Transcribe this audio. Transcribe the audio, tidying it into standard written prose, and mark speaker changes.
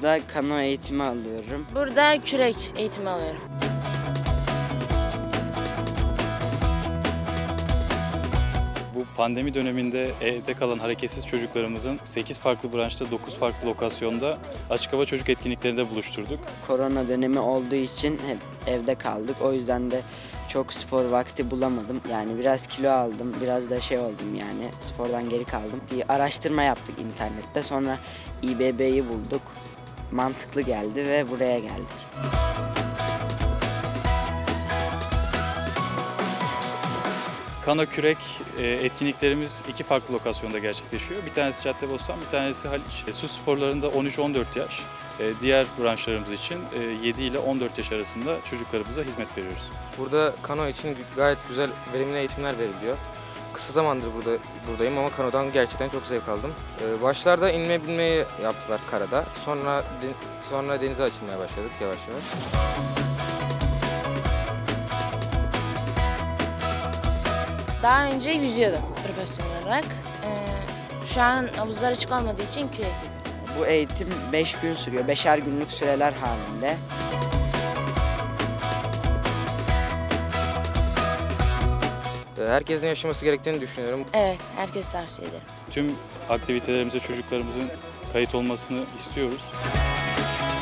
Speaker 1: Burada kano eğitimi alıyorum.
Speaker 2: Burada kürek eğitimi alıyorum.
Speaker 3: Bu pandemi döneminde evde kalan hareketsiz çocuklarımızın 8 farklı branşta 9 farklı lokasyonda açık hava çocuk etkinliklerinde buluşturduk.
Speaker 1: Korona dönemi olduğu için hep evde kaldık. O yüzden de çok spor vakti bulamadım. Yani biraz kilo aldım, biraz da şey oldum yani spordan geri kaldım. Bir araştırma yaptık internette. Sonra İBB'yi bulduk. Mantıklı geldi ve buraya geldik.
Speaker 3: Kano kürek etkinliklerimiz 2 farklı lokasyonda gerçekleşiyor. Bir tanesi Caddebostan, bir tanesi Haliç. Su sporlarında 13-14 yaş. Diğer branşlarımız için 7 ile 14 yaş arasında çocuklarımıza hizmet veriyoruz.
Speaker 4: Burada kano için gayet güzel, verimli eğitimler veriliyor. Kısa zamandır buradayım ama kanodan gerçekten çok zevk aldım. Başlarda inme binmeyi yaptılar karada. Sonra denize açılmaya başladık yavaş yavaş.
Speaker 2: Daha önce yüzüyordum profesyonel olarak. Şu an havuzlar açık olmadığı için kürek yapıyorum.
Speaker 1: Bu eğitim 5 gün sürüyor. 5'er günlük süreler halinde.
Speaker 4: Herkesin yaşaması gerektiğini düşünüyorum.
Speaker 2: Evet, herkes tavsiye ederim.
Speaker 3: Tüm aktivitelerimize çocuklarımızın kayıt olmasını istiyoruz.